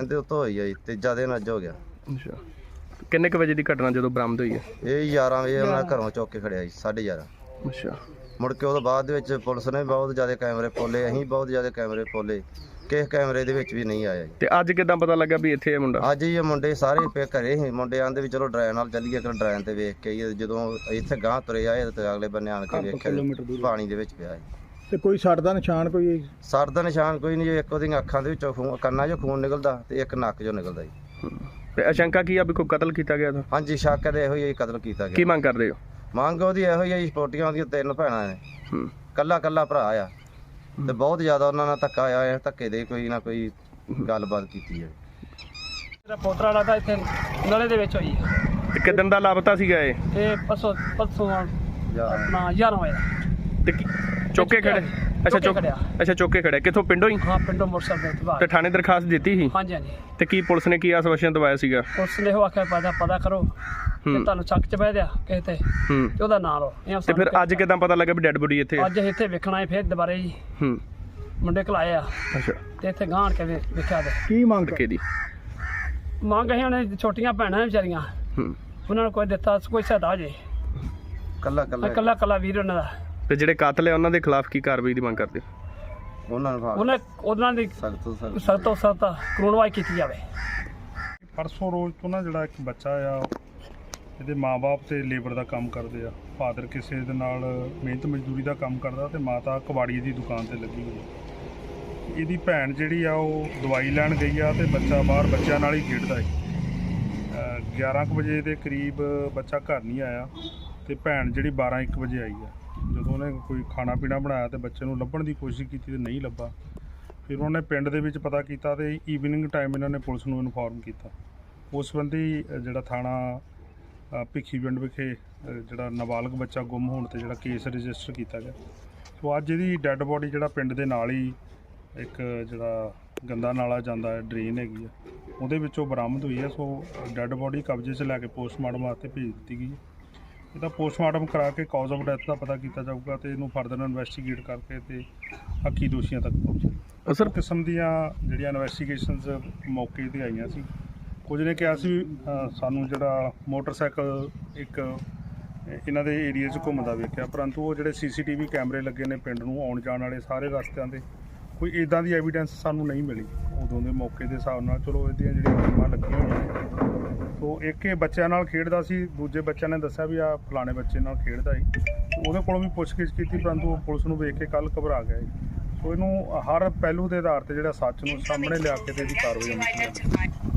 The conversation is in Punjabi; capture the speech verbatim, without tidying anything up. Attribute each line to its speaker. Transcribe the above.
Speaker 1: ਦੇ ਉੱਤੋਂ ਹੋਈ ਹੈ ਜੀ, ਤੀਜਾ ਦਿਨ ਅੱਜ ਹੋ ਗਿਆ।
Speaker 2: ਅੱਛਾ, ਕਿੰਨੇ ਕੁ ਵਜੇ ਦੀ ਘਟਨਾ ਜਦੋਂ ਬਰਾਮਦ ਹੋਈ ਹੈ?
Speaker 1: ਇਹ ਗਿਆਰਾਂ ਵਜੇ ਉਹਨਾਂ ਘਰੋਂ ਚੁੱਕ ਕੇ ਖੜਿਆ ਜੀ, ਸਾਢੇ ਗਿਆਰਾਂ।
Speaker 2: ਅੱਛਾ,
Speaker 1: ਮੁੜ ਕੇ ਉਹਦੇ ਬਾਅਦ ਦੇ ਵਿੱਚ ਪੁਲਿਸ ਨੇ ਬਹੁਤ ਜ਼ਿਆਦਾ ਕੈਮਰੇ ਖੋਲੇ, ਅਸੀਂ ਬਹੁਤ ਜ਼ਿਆਦਾ ਕੈਮਰੇ ਖੋਲੇ, ਕਿਸੇ ਕੈਮਰੇ ਦੇ ਵਿੱਚ ਵੀ ਨਹੀਂ ਆਇਆ ਜੀ।
Speaker 2: ਤੇ ਅੱਜ ਕਿਦਾਂ ਪਤਾ ਲੱਗਾ ਵੀ ਇੱਥੇ ਇਹ ਮੁੰਡਾ?
Speaker 1: ਅੱਜ ਹੀ ਇਹ ਮੁੰਡੇ ਸਾਰੇ ਪੇ ਘਰੇ ਸੀ, ਮੁੰਡੇ ਆਂਦੇ ਵੀ ਚਲੋ ਡਰਾਈਵਰ ਨਾਲ ਚੱਲੀਏ, ਕਿ ਡਰਾਈਵਰ ਤੇ ਵੇਖ ਕੇ ਆਈਏ। ਜਦੋਂ ਇੱਥੇ ਗਾਂਹ ਤੁਰੇ ਆਏ ਤੇ ਅਗਲੇ ਬੰਨੇ ਆਣ ਕੇ ਵੇਖਿਆ ਪਾਣੀ ਦੇ ਵਿੱਚ ਪਿਆ ਜੀ।
Speaker 3: ਤੇ ਕੋਈ ਸੱਟ ਦਾ ਨਿਸ਼ਾਨ ਕੋਈ?
Speaker 1: ਸੱਟ ਦਾ ਨਿਸ਼ਾਨ ਕੋਈ ਨਹੀਂ, ਇੱਕ ਉਹਦੀਆਂ ਅੱਖਾਂ ਦੇ ਵਿੱਚੋਂ ਖੂਨ, ਕੰਨਾਂ 'ਚੋਂ ਖੂਨ ਨਿਕਲਦਾ ਤੇ ਇੱਕ ਨੱਕ 'ਚੋਂ ਨਿਕਲਦਾ ਜੀ।
Speaker 2: ਤੇ ਅਸ਼ੰਕਾ ਕੀ ਆ ਵੀ ਕੋਈ ਕਤਲ ਕੀਤਾ ਗਿਆ ਤਾਂ?
Speaker 1: ਹਾਂਜੀ, ਸ਼ੱਕ ਤੇ ਇਹੋ ਹੀ ਕਤਲ ਕੀਤਾ
Speaker 2: ਕੀ
Speaker 1: ਗਿਆ।
Speaker 2: ਮੰਗ ਕਰਦੇ ਹੋ?
Speaker 1: ਮੰਗ ਉਹਦੀ ਇਹੋ ਹੀ ਆ ਜੀ, ਪੋਟੀਆਂ ਉਹਦੀਆਂ ਤਿੰਨ ਭੈਣਾਂ ਨੇ, ਕੱਲਾ ਕੱਲਾ ਭਰਾ ਆ, ਤੇ ਬਹੁਤ ਜ਼ਿਆਦਾ ਉਹਨਾਂ ਨਾਲ ਧੱਕਾ ਆਇਆ, ਧੱਕੇ ਦੇ ਕੋਈ ਨਾ ਕੋਈ ਗੱਲਬਾਤ ਕੀਤੀ ਹੈ।
Speaker 4: ਮੇਰਾ ਪੋਤਰਾ ਵਾਲਾ ਤਾਂ ਇੱਥੇ ਨਲੇ ਦੇ ਵਿੱਚ ਹੋਈ ਹੈ।
Speaker 2: ਤੇ ਕਿਦਨ ਦਾ ਲਾਪਤਾ ਸੀਗਾ ਇਹ?
Speaker 4: ਇਹ ਪਰਸੋਂ ਪਰਸੋਂ ਆਪਣਾ ਗਿਆਰਾਂ ਵਜੇ
Speaker 2: ਤੇ ਚੌਕੇ ਖੜੇ? ਅੱਛਾ, ਚੌਕ ਅੱਛਾ ਚੌਕੇ ਖੜੇ। ਕਿੱਥੋਂ, ਪਿੰਡੋਂ ਹੀ?
Speaker 4: ਹਾਂ, ਪਿੰਡੋਂ ਮੋਟਰਸਾਈਕਲ ਤੇ
Speaker 2: ਤੇ ਥਾਣੇ ਦਰਖਾਸਤ ਦਿੱਤੀ ਸੀ?
Speaker 4: ਹਾਂਜੀ ਹਾਂਜੀ।
Speaker 2: ਤੇ ਕੀ ਪੁਲਿਸ ਨੇ ਕੀ ਆਸ਼ਵਾਸਨ ਦਵਾਇਆ ਸੀਗਾ?
Speaker 4: ਪੁਲਿਸ ਨੇ ਉਹ ਆਖਿਆ ਪਤਾ ਪਤਾ ਕਰੋ ਤੇ ਤੁਹਾਨੂੰ ਚੱਕ ਚ ਬਹਿ ਦਿਆ ਕਿਸੇ ਤੇ
Speaker 2: ਹੂੰ,
Speaker 4: ਤੇ ਉਹਦਾ ਨਾਂ ਲਓ।
Speaker 2: ਤੇ ਫਿਰ ਅੱਜ ਕਿਦਾਂ ਪਤਾ ਲੱਗਾ ਵੀ ਡੈੱਡ ਬੋਡੀ ਇੱਥੇ?
Speaker 4: ਅੱਜ ਇੱਥੇ ਵੇਖਣਾ ਹੈ ਫਿਰ ਦੁਬਾਰੇ ਜੀ।
Speaker 2: ਹੂੰ,
Speaker 4: ਮੁੰਡੇ ਘਲਾਏ ਆ
Speaker 2: ਅੱਛਾ।
Speaker 4: ਤੇ ਇੱਥੇ ਗਾਂਢ ਕੇ ਵੇ- ਵੇਖਿਆ ਤੇ
Speaker 3: ਕੀ ਮੰਗ
Speaker 2: ਕਿਹਦੀ
Speaker 4: ਮੰਗ ਅਸੀਂ ਉਹਨੇ ਛੋਟੀਆਂ ਭੈਣਾਂ ਨੇ ਵਿਚਾਰੀਆਂ,
Speaker 2: ਹੂੰ,
Speaker 4: ਉਹਨਾਂ ਨੂੰ ਕੋਈ ਦਿੱਤਾ ਕੋਈ ਸਹਾਇਤਾ ਜੇ,
Speaker 1: ਕੱਲਾ ਕੱਲਾ
Speaker 4: ਇਕੱਲਾ ਇਕੱਲਾ ਵੀਰ ਉਹਨਾਂ ਦਾ।
Speaker 2: ਤੇ ਜਿਹੜੇ ਕਾਤਲ ਹੈ ਉਹਨਾਂ ਦੇ ਖਿਲਾਫ ਕੀ ਕਾਰਵਾਈ ਦੀ ਮੰਗ ਕਰਦੇ?
Speaker 1: ਉਹਨਾਂ ਨੂੰ
Speaker 4: ਉਹਨੇ ਉਹਨਾਂ ਦੀ
Speaker 1: ਸਖਤ ਤੋਂ ਸਖਤ
Speaker 4: ਸਖਤ ਤੋਂ ਸਖਤ ਕਾਨੂੰਨਵਾਈ ਕੀਤੀ ਜਾਵੇ।
Speaker 5: ਪਰਸੋਂ ਰੋਜ਼ ਤੋਂ ਨਾ ਜਿਹੜਾ ਇੱਕ ਬੱਚਾ ਆ, ਇਹਦੇ ਮਾਂ-ਬਾਪ ਤੇ ਲੇਬਰ ਦਾ ਕੰਮ ਕਰਦੇ ਆ। ਫਾਦਰ ਕਿਸੇ ਦੇ ਨਾਲ ਮਿਹਨਤ ਮਜ਼ਦੂਰੀ ਦਾ ਕੰਮ ਕਰਦਾ ਤੇ ਮਾਤਾ ਕਬਾੜੀ ਦੀ ਦੁਕਾਨ ਤੇ ਲੱਗੀ ਹੋਈ ਆ। ਇਹਦੀ ਭੈਣ ਜਿਹੜੀ ਆ ਉਹ ਦਵਾਈ ਲੈਣ ਗਈ ਆ ਤੇ ਬੱਚਾ ਬਾਹਰ ਬੱਚਿਆਂ ਨਾਲ ਹੀ ਖੇਡਦਾ ਹੈ। ਗਿਆਰਾਂ ਕੁ ਵਜੇ ਦੇ ਕਰੀਬ ਬੱਚਾ ਘਰ ਨਹੀਂ ਆਇਆ ਤੇ ਭੈਣ ਜਿਹੜੀ ਬਾਰਾਂ ਇੱਕ ਵਜੇ ਆਈ ਆ। ਜਦੋਂ ਉਹਨੇ ਕੋਈ ਖਾਣਾ ਪੀਣਾ ਬਣਾਇਆ ਤੇ ਬੱਚੇ ਨੂੰ ਲੱਭਣ ਦੀ ਕੋਸ਼ਿਸ਼ ਕੀਤੀ ਤੇ ਨਹੀਂ ਲੱਭਾ। ਫਿਰ ਉਹਨੇ ਪਿੰਡ ਦੇ ਵਿੱਚ ਪਤਾ ਕੀਤਾ ਤੇ ਈਵਨਿੰਗ ਟਾਈਮ ਇਹਨਾਂ ਨੇ ਪੁਲਿਸ ਨੂੰ ਇਨਫੋਰਮ ਕੀਤਾ। ਉਸ ਸੰਬੰਧੀ ਜਿਹੜਾ ਥਾਣਾ ਭਿੱਖੀ ਪਿੰਡ ਵਿਖੇ ਜਿਹੜਾ ਨਾਬਾਲਗ ਬੱਚਾ ਗੁੰਮ ਹੋਣ ਤੇ ਜਿਹੜਾ ਕੇਸ ਰਜਿਸਟਰ ਕੀਤਾ ਗਿਆ। ਸੋ ਅੱਜ ਇਹਦੀ ਡੈੱਡ ਬੋਡੀ ਜਿਹੜਾ ਪਿੰਡ ਦੇ ਨਾਲ ਹੀ ਇੱਕ ਜਿਹੜਾ ਗੰਦਾ ਨਾਲਾ ਜਾਂਦਾ ਹੈ, ਡਰੇਨ ਹੈਗੀ ਆ, ਉਹਦੇ ਵਿੱਚੋਂ ਬਰਾਮਦ ਹੋਈ ਹੈ। ਸੋ ਡੈੱਡ ਬੋਡੀ ਕਬਜ਼ੇ 'ਚ ਲੈ ਕੇ ਪੋਸਟਮਾਰਟਮ ਵਾਸਤੇ ਭੇਜ ਦਿੱਤੀ ਗਈ ਹੈ। ਇਹਦਾ ਪੋਸਟਮਾਰਟਮ ਕਰਾ ਕੇ ਕਾਜ਼ ਆਫ ਡੈਥ ਦਾ ਪਤਾ ਕੀਤਾ ਜਾਊਗਾ ਤੇ ਇਹਨੂੰ ਫਰਦਰ ਇਨਵੈਸਟੀਗੇਟ ਕਰਕੇ ਤੇ ਹੱਕੀ ਦੋਸ਼ੀਆਂ ਤੱਕ ਪਹੁੰਚੇ।
Speaker 2: ਸਰ,
Speaker 5: ਕਿਸਮ ਦੀਆਂ ਜਿਹੜੀਆਂ ਇਨਵੈਸਟੀਗੇਸ਼ਨਸ ਮੌਕੇ ਤੇ ਆਈਆਂ ਸੀ। ਕੁਝ ਨੇ ਕਿਹਾ ਸੀ ਸਾਨੂੰ ਜਿਹੜਾ ਮੋਟਰਸਾਈਕਲ ਇੱਕ ਇਹਨਾਂ ਦੇ ਏਰੀਏ 'ਚ ਘੁੰਮਦਾ ਵੇਖਿਆ, ਪਰੰਤੂ ਉਹ ਜਿਹੜੇ ਸੀ ਸੀ ਟੀ ਵੀ ਕੈਮਰੇ ਲੱਗੇ ਨੇ ਪਿੰਡ ਨੂੰ ਆਉਣ ਜਾਣ ਵਾਲੇ ਸਾਰੇ ਰਸਤਿਆਂ 'ਤੇ, ਕੋਈ ਇੱਦਾਂ ਦੀ ਐਵੀਡੈਂਸ ਸਾਨੂੰ ਨਹੀਂ ਮਿਲੀ ਉਦੋਂ ਦੇ ਮੌਕੇ ਦੇ ਹਿਸਾਬ ਨਾਲ। ਚਲੋ ਇਹਦੀਆਂ ਜਿਹੜੀਆਂ ਟੀਮਾਂ ਲੱਗੀਆਂ ਹੋਈਆਂ ਨੇ। ਸੋ ਇੱਕ ਇਹ ਬੱਚਿਆਂ ਨਾਲ ਖੇਡਦਾ ਸੀ, ਦੂਜੇ ਬੱਚਿਆਂ ਨੇ ਦੱਸਿਆ ਵੀ ਆ ਫਲਾਣੇ ਬੱਚੇ ਨਾਲ ਖੇਡਦਾ ਸੀ। ਉਹਦੇ ਕੋਲੋਂ ਵੀ ਪੁੱਛਗਿੱਛ ਕੀਤੀ, ਪਰੰਤੂ ਉਹ ਪੁਲਿਸ ਨੂੰ ਵੇਖ ਕੇ ਕੱਲ੍ਹ ਘਬਰਾ ਗਿਆ। ਸੋ ਇਹਨੂੰ ਹਰ ਪਹਿਲੂ ਦੇ ਆਧਾਰ 'ਤੇ ਜਿਹੜਾ ਸੱਚ ਨੂੰ ਸਾਹਮਣੇ ਲਿਆ ਕੇ ਤੇ ਇਹਦੀ ਕਾਰਵਾਈ ਹੋਣੀ ਚਾਹੀਦੀ ਹੈ।